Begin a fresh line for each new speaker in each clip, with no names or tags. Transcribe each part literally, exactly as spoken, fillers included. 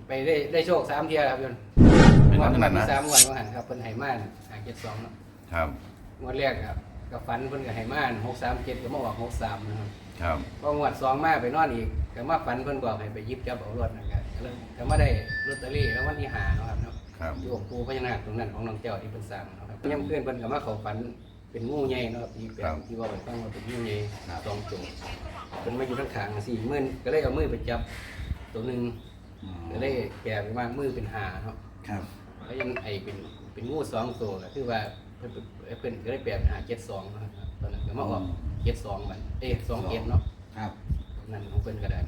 ไปได้ได้โชคสามเทียครับยนต์
เป็น
งวด
ขนาดนั้น
ที่สามงวดว่าหันครับเพิ่นไหม่านหาเจ็ดสองเนาะ
ครับ
งวดแรกครับกับฝันเพิ่นกับไหม่านหกสามเจ็ดก็มาออกหกสามนะครับ
ครับ
พองวดสองมาไปนอนอีกก็มาฝันเพิ่นบอกให้ไปหยิบจับเอารถนะครับก็มาได้ลอตเตอรี่แล้ววันที่หาเนาะครับเนาะ
ครับ
อยู่องค์ปู่พญานาคตรงนั้นของน้องเจ้าที่เป็นสร้างเนาะครับย่ำเพื่อนเพิ่นก็มาเข้าฝันเป็นงูใหญ่เนาะครับที่เป็นที่ว่าไปฟังว่าเป็นงูใหญ่สองตัวเพิ่นมาอยู่ทั้งขางสี่มือก็เลยเอามือไปจับตัวหนึงก็เลยแก่ไปมากมือเป็นหาเนาะ
ครับ
แล้วยังไอเป็นเป็นงูสองตัวก็คือว่าเพิ่นเพิ่นก็ได้แปลเป็นหาเจ็ดสองนะครับตอนนั้นก็มาออกเจ็ดสองบัดเอ้สองเจ็ดเนาะ
ครับ
นั่นของเพิ่นก็ได้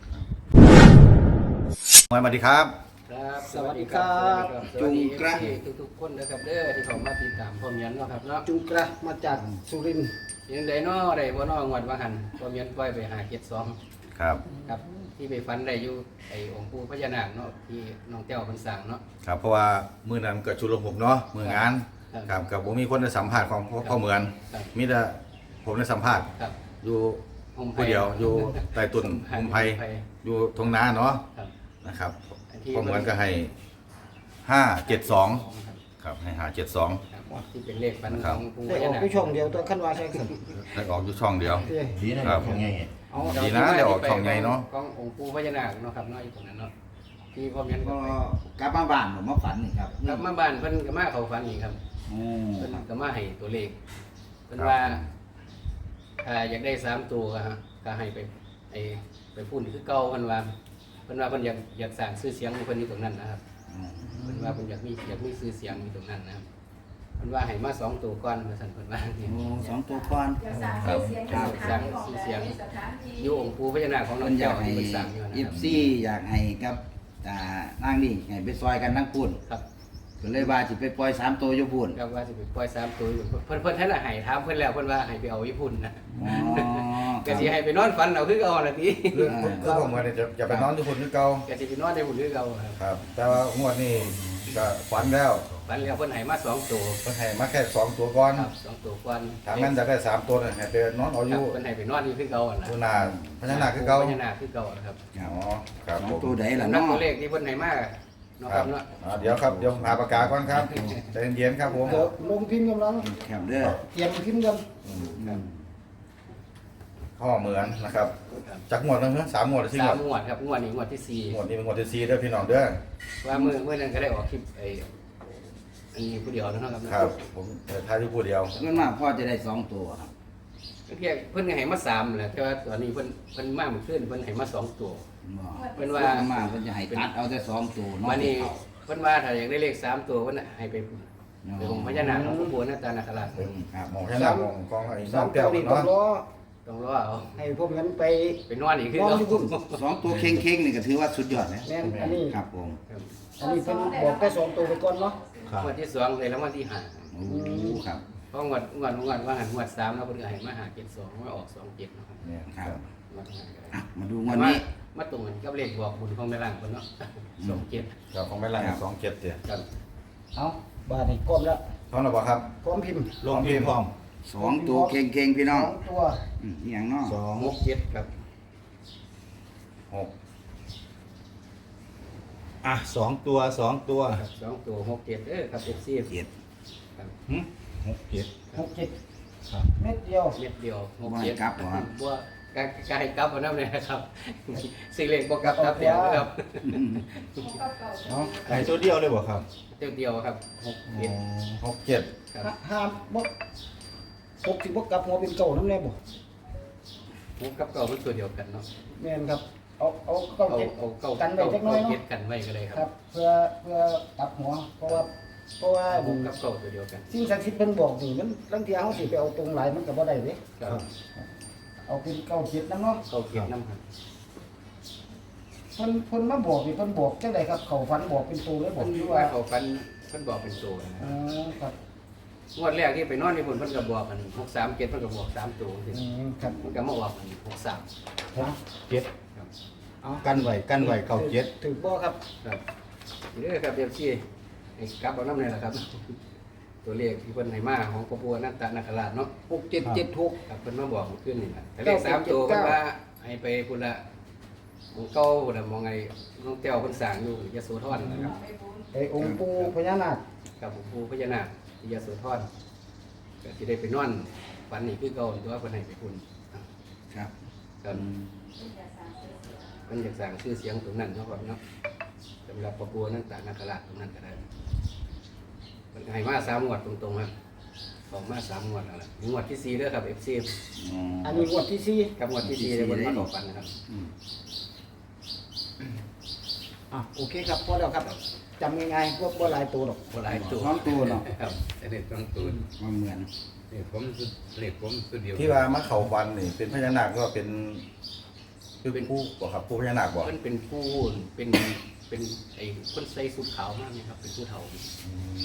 สวัสดีครับ
ครับ
สวัสดีครับ
สวัสดีเอฟซีทุกๆคนนะครับเด้อที่เข้ามาติดตามพ่อเมียนเนาะครับเนาะ
จุงกระมาจากสุรินทร์
ยังได้เนาะได้บ่เนาะงวดว่าหันพ่อเมียนปล่อยไปหาเจ็ดสอง
ครับ
ครับที่ไปฝันได้อยู่ไอ้องค์ปู่พญานาคเนาะที่น้องเจ้าเพิ่นสร้างเนาะ
ครับเพราะว่ามือนั้นเกิดชุลมุนเนาะมืองาน
ครับ
ครับกับผมมีคนได้สัมภาษณ์ของพ่อพ่อเหมือน
ครับ
มีแต่ผมได้สัมภาษณ์
ครับ
อยู่
ห่มไผ่
ผู้เดียวอยู่ใต้ตุน
ห่
มุ
ม
ม
ไผ่
ไผ่อยู่ทงนาเนาะ
ครับ
นะครับ
อันที่
พ่อเหมือนก็ให้ห้าเจ็ดสอง
ครับ
ครับให้หาเจ็ดสอง
ครับที่เป็นเลขฝัน
ค
ข
รั
อบ งปู่พ
ได้อ
ญา
อก
นาค
ไปช่องเดียวตัวขั้นว่าใช่ครับ
ได้ออกอยู่ช่องเดียว
เอ้ย
ดีนะครับ ของไง
เอา
ดีนะได้ออกช่องใหญ่เนาะ
ขององค์ปู่พญานาคเนาะครับเนาะอยู่ตรงนั้นเนาะที่พ่อเมียนก็
ก็
ไป
กลับมาบ้านผมมาฝันนี่ครับ
กลับมาบ้านเพิ่นก็มาเข้าฝันอีกครับ
โอ้
เพิ่น
ครับ
ก็มาให้ตัวเลขเพิ่น
ครับ
ว่าถ้าอยากได้สามตัวก็ฮะก็ให้ไปไอ้ไปพูดคือเก่าเพิ่นว่าเพิ่นว่าเพิ่นอยากอยากสร้างชื่อเสียงของเพิ่นอยู่ตรงนั้นนะครับ
อืม
เพิ่นว่าเพิ่นอยากมีอยากมีชื่อเสียงอยู่ตรงนั้นนะครับเพิ่นว่าให้มาสองตัวก่อนว่าซั่นเพิ่นว่า
โอ้สองตัวก่อน
ครับ
สร้างชื่อเสียงอยู่องค์ปู่พญานาคของน้
เพิ่
อง
นอยา
เจ้าก
ให้
ที่เพิ่นสร้างอยู่นะ
เอ
ครั
ฟ
บ
ซีอยากให้กับอ่านั่งนี่ให้ไปซอยกันทั้งปุ่น
ครับ
ก็เลยว่าสิไปปล่อยสามตัวอยู่ปุ่น
ครับว่าสิไปปล่อยสามตัวอยู่เพิ่นเพิ่นท่านน่ะให้ถามเพิ่นแล้วเพิ่นว่าให้ไปเอาญี่ปุ่นนะ
อ๋อ
ก็สิให้ไปนอนฝันเอาคือเก่าล่ะติ
คือคือผมว่าเนี่ยจะจะไปนอนที่คนที่เก่า
ก็สิไปนอนในหุ่นคือเก่าครับ
ครับ แต่ว่างวดนี้ก็ฝันแล้ว
ฝันแล้วเพิ่นให้มาสองตัว
เพิ่นให้มาแค่สองตัวก่อน
ครับสองตัวก่อน
ถามงั้นจะได้สามตัวเนี่ยให้ไปนอนเอาอ
ครับ
ยู่
เพิ่นให้ไปนอนอยู่คือเก่าน่ะ
ตัวหนาพญานาคคือเก่า
พญานาคคือเก่าครับ
ครับ
อ๋อครับ
สอง
ผม
ตัวใดล่ะ
นัก
เนาะ
ตัวเลขที่เพิ่นให้มาเนาะ
ค
ค
รั
รั
บบ
เนาะ
อ่าเดี๋ยวครับเดี๋ยวหาปากกาก่อนครับใจเย็นๆครับผม
เดี๋ยวลงพิมพ์กำลัง
ครับเด้อ
เตรียมพิมพ์กัน
อืม
ข้อเหมือนนะครับ
ครับ
จากงวดนึงนะสามงวดหรือสี่
สาง ม
วด
งวดครับงวดนี้งวดที่สี่
งวดนี้เป็นงวดที่สี่เด้อพี่น้องเด้อ
ว่ามื้อมื้อนั้นก็ได้ออกคลิปไอ้อันนี้ผู้เดียวนะครับ
ครับผมเอ่อทายที่ผู้เดียว
เงินมากพ่อจะได้สองตัวครับ
เพิ่นเพิ่นก็ให้มาสามแหละแต่ว่าตอนนี้เพิ่นเพิ่นมาเมื่อคืนเพิ่นให้มาสองตัว
บ่
เพิ่นว่า
เงินมากเพิ่นจะให้ตัดเอาแต่สองตัวเนาะ
วันนี้เพิ่นว่าถ้าอยากได้เลขสามตัวเพิ่นน่ะให้ไปไปองค์พญานาคของปู่หน้าตานาคราช
อืมครับ
หมองแค่หน้ามองกองไอ้
สา
น้อ
ม
ง
ตั
แก้
ว
ว
นี่ต้อง
เนาะ
รอ
ต้องรอเอา
ให้พวกนั้นไป
ไปนอนอีกคือ
นอน
เก่า
อยู่พุ่น
สองตัวเค้งๆนี่ก็ถือว่าสุดยอดนะ
แม่นอันนี้
ครับผม
ครับ
อันนี้เป็นบอกแค่สองตัวไปก่อนเนาะ
งวดที่สองเลยแล้ววันที่ห้า
โอ้ครับ
เพราะงวดงวดงวดว่าหันงวดสามแล้วเพิ่นก็ให้มาหาเจ็ดสองมาออกสองเจ็ดเนาะครับ
เนี่ย
ครับ
งวดห้าก็ได้
อ่ะมาดูง
แต่
วัน
ว่า
นี้
มาตรงกันกับเลขบอกบุญของแม่ล่างเพิ่นเนาะสองเจ็ด
ครับของไม่ไรสองเจ็ดเดียว
ครับ
เอาบาทนี่ก้มแล้ว
เท่าไหร่บ่ครับ
พร้อมพิมพ์
ลงพิมพ์พร้อม
สองตัวเค้งๆพี่
ส
น้อ
อง งตัว
อืมอหย่างเน้อ
สอง
หกเจ็ดครับ
หก
อ่ะสองตัวสองตัว
ครับสองตัวหกเจ็ดเด้อครับ เอฟ ซี
เจ็ด
ครับ
หึหกเจ็ด
หกเจ็ด
ครับ
เม็ดเดียว
เม็ดเดียวหก
ว่า
เจ็
ให้
ด
กลับบ่ครับ
บ่กายกายกลับเอานำเลยนะครับสิเลขบ่กลับครับเดียวนะครับ
เนาะไอ้ตัวเดียวเลยบ่ครับ
เดียวเดียวครับหก
อ๋
เจ็ด
อ
หกเจ็ด
ครับ
ห้ามบ่หกสิบบ่กลับหัวเป็นเก่าน้ำแน่บ่
หกกับเก้ามันตัวเดียวกันเนาะ
แม่นครับ เอาเอาเก้า
เอา
เจ็ด
เอาเก้า
กันไว้
เก้า
จักหน่อย
เก้า
เนาะ
เจ็ดกันไว้ก็เลยค
ค
รั
รั
บบ
เพื่อเพื่อกลับหัว เพราะว่าเพราะว่า
หกกับเก้าตัวเดียวกัน
สิ่งศักดิ์สิทธิ์เพิ่นบอกนี่มันบางเทีเฮาสิไปเอาตรงหลายมันก็บ่ได้เด้
ครับ
เอาเป็นเก้าเจ็ดนำเนาะ
เก้าเจ็ดน้ำครับ
เพิ่นเพิ่นมาบอกนี่เพิ่นบอกจังไดครับเขาฝันบอกเป็นตัวเลยบอ
เพิ่
ก
น
หรือ
ว่า
ว่า
เขาฟันเพิ่นบอกเป็นตัวนะค
อ๋
รับ
อครับ
งวดแรกที่ไปนอนในพุ่นเพิ่นก็บอกกันหกสามเจ็ดเพิ่นก็บอกสามตัวสิ
อืมครับ
มันก็มาออกกันหกสาม
หกเจ็ด
ครับ
เอา
กันไว้กันไว้เก้าเจ็ด
ถูกบ่ครับ
ครับนี่เด้อครับเดี๋ยวซี่ให้กลับเอาน้ำนี่แหละครับ ตัวเลขที่เพิ่นให้มาของพระบัวนันตนาคราชเนาะ
หกเจ็ดเจ็ดหก
ครับเพิ่นมาบอกเมื่อคืนนี่แหละแต่เลขสามตัวเพิ่นว่าให้ไปพุ่นละองค์เก่าน่ะมองไงน้องแต้วเพิ่นสร้างอยู่ยโสธรนะครับ
ไอ้องค์ปู่พญานาค
กับองค์ปู่พญานาคที่ยโสธรก็สิได้ไปนอนฝันนี่คือเก่าตัวเพิ่นให้ไปพุ่น
ครับ
ครับมันอยากสร้างชื่อเสียงตรงนั้นเนาะครับเนาะสำหรับพระบัวนั่นตานาคราชตรงนั้นก็ได้มันให้มาสามงวดตรงๆครับสองมาสามงวดแล้วล่ะงวดที่สี่เด้อครับ เอฟ ซี
อ๋อ
อันนี้งวดที่สี่
กับงวดที่สี่เลยบนมาหลอกฟันนะครับ
อืม
อ่ะโอเคครับพอแล้วครับจำง่ายๆพวกบ่หลายตัวหรอก
โบราณตัว
สองตัวเนาะ
ครับแต่เด็ดต้องตูน
มันเหมือน
นี่ผมสุดเล็กผมสุดเดียว
ที่ว่ามาเขาฟันนี่เป็นพญานาคก็เป็นคือเป็นผู้บ่ครับผู้พญานาคบ่
เพิ่นเป็นผู้เป็นเป็นไอ้คนใส่สุดขาวมากนะครับเป็นผู้เฒ่า
อืม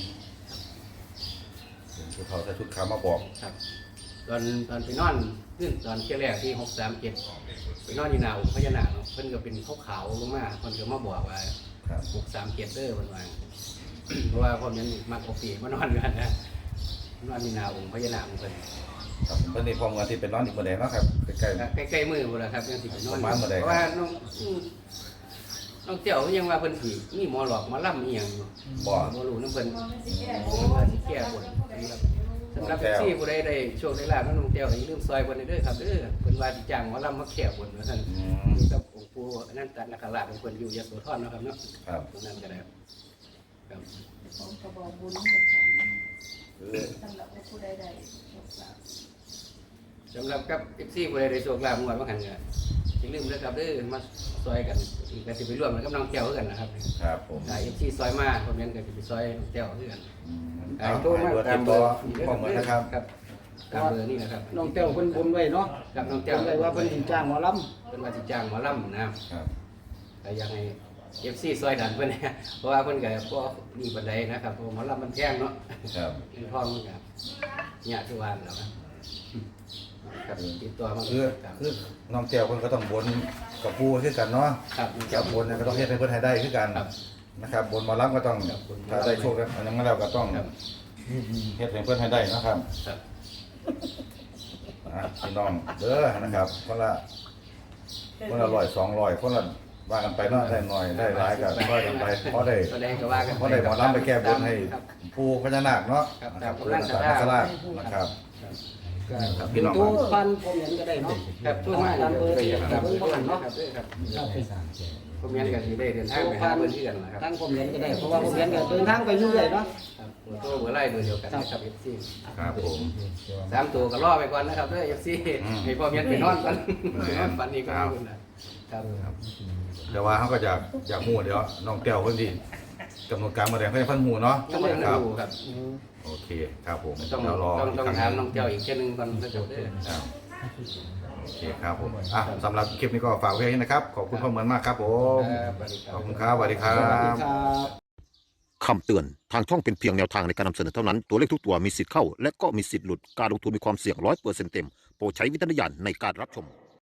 เป็นผู้เฒ่าใส่ชุดขาวมาบอก
ครับตอนตอนไปนอนขึ้นตอนเที่ยแรกที่หกสามเจ็ดไปนอนอยู่หน้าองค์พญานาคเนาะเพิ่นก็เป็นขาวๆลงมาเพิ่นก็มาบอกว่า
ครับ
หกสามเจ็ดเด้อเพิ่นว่า เพราะว่าพ่อนั้นมักเอาปีมานอนกันนะนอนอยู่หน้าองค์พญานาคของเพิ่น
ครับเพิ่นนี่พร้อมกันที่เป็นร้อนอีกบ่ได้เนาะครับใกล้
ใกล้ๆมือหมดแล้วครับยังสิไปนอน
ประมาณมื้อใดครับ
เพราะว่าน้องอืมน้องเตี้ยวยังว่าเพิ่นสิมีหมอหลอกหมอล่ำอีหยังอยู่
ๆบ่
บ่รู้นำเพิ่นเพิ่นว่าสิแก้บนสำหรับสำหรับที่ผู้ใดได้โชคได้ลาภน้องเตี้ยวก็อย่าลืมซอยเพิ่นเด้อครับเด้อเพิ่นว่าสิจ้างหมอล่ำมาแก้บนว่าซั่น
อืม
นี่กับองค์ปู่อนันตนาคราชของเพิ่นอยู่ยโสธรเนาะครับเนาะ
ครับ
ตรงนั้นก็ได้ครับครับ
ผมก็บอกบุญเหมือนกัน
คือ
สำหรับผู้ใดใดโชคลาภ
สำหรับกับ เอฟ ซี ผู้ใดได้โชคลาภงวดว่าหั่นก็อย่าลืมเด้อครับเด้อมาซอยกันอีกก็สิไปร่วมกับน้องแก้วคือกันนะครับ
ครับผม
ถ้า เอฟ ซี ซอยมาคอมเมนต์ก็สิไปซอยน้องแก้วคือกัน
อืม
อ่า
เอา
โทรมา
เบอร์
ตา
ติ
ม
ด
เบ
ต่
อ
อ
ร์
พร้อมกันนะครับ
ครับตามเบอร์นี่นะครับ
น้องแต้วเพิ่นบนไว้เนาะ
กับน้อง
เพิ่
แก้วน
ได้ว่าเพิ่นสิจ้างหมอล
เพิ่นว่าสิจ้างหมอลำนะครับ
ครับ
ก็อยังให้ เอฟ ซี ซอยดันเพิ่นเนี่ย เพราะว่าเพิ่นก็บ่มีปานใดนะครับเพราะว่าหมอลำมันแพงเนาะ
ครับ
เงินทองมันก็ยากทุกวันแล้วครับครับติดตัวมา
คือ
ครับ
คือน้องแก้วเพิ่นก็ต้องบนกับผู้คือกันเนาะ
ครับ
แก้วบนเนี่ยก็ต้องเฮ็ดให้เพิ่นให้ได้คือกัน
ครับ
นะครับบนหมารับก็ต้อง
ครับบนหมอลำ
ถ้าได้โชคกันอันนั้นแล้วก็ต้อง
ครับ
เฮ็ดให้เพิ่นให้ได้นะครับ
ครับ
อ่ะพี่น้องเด้อนะครับคนละคนละร้อยสองร้อยคนละว่ากันไปเนาะได้หน่อยได้หลายก็ว่ากันไปเพราะได้
ก็ได้ก็ว่ากัน
เพราะได้หมอลำไปแก้บนให้
ครับ
ผู้พญานาคเนาะ
ครับ
นะครับ
ค
ผู้
รับ
นักนาคราชนะครับ ครับ
ำ
พี่น้อง
ตู้พันผมเห็นก็ได้เนาะ
ครับช่วยมา
ตามเบอร์ที่
ครับ
เพิ่นบ่หันเนาะ
ครับครับ
ครับ
ผมเรียนกันที่ได้เดินทางไปหาเพื่อนที่กันนะครับ
ตั้งผมเห็นก็ได้เพราะว่าผมเห็นก็เดินทางไปเรื่อยๆเนาะ
ครับตัวโตเบอร์ไล่เบอร์เดียวกันนะครับเอฟซี
ครับผม
สามตัวก็ล่อไปก่อนนะครับเด้อเอฟซี
อืม
ให้พ่อเมียนไปนอนก่อนไปนอนฝันอีกก็ไม่นะครับ
แต่ว่าเขาก็อยากอยากฮู้เดี๋ยวน้องแก้วเพิ่นสิกำหนดการมาแดงเพิ่นเพิ่นฮู้เนาะ
ต้องเรียน
ครับ
รู้ครับ
โอเคครับผม
ต้อง
เดี๋ยวรอ
ต้องต้อง
กครั้
ถาม
ห
น้องเจ้าอีกแค่นึงก่อนก็จบเด้อ
ครับโอเคครับผมอ่ะสำหรับคลิปนี้ก็ฝากไว้นะครับ ขอบคุณพ่อเหมือนมากครับผม
ครับสวัสดีครั
ข
บ
อบคุณครับสวัสดีครั
สวัสดี
บ
ครับ
คำเตือน ทางช่องเป็นเพียงแนวทางในการนำเสนอเท่านั้น ตัวเลขทุกตัวมีสิทธิ์เข้า และก็มีสิทธิ์หลุด การลงทุนมีความเสี่ยงร้อยเปอร์เซ็นต์เต็ม โปรดใช้วิจารณญาณในการรับชม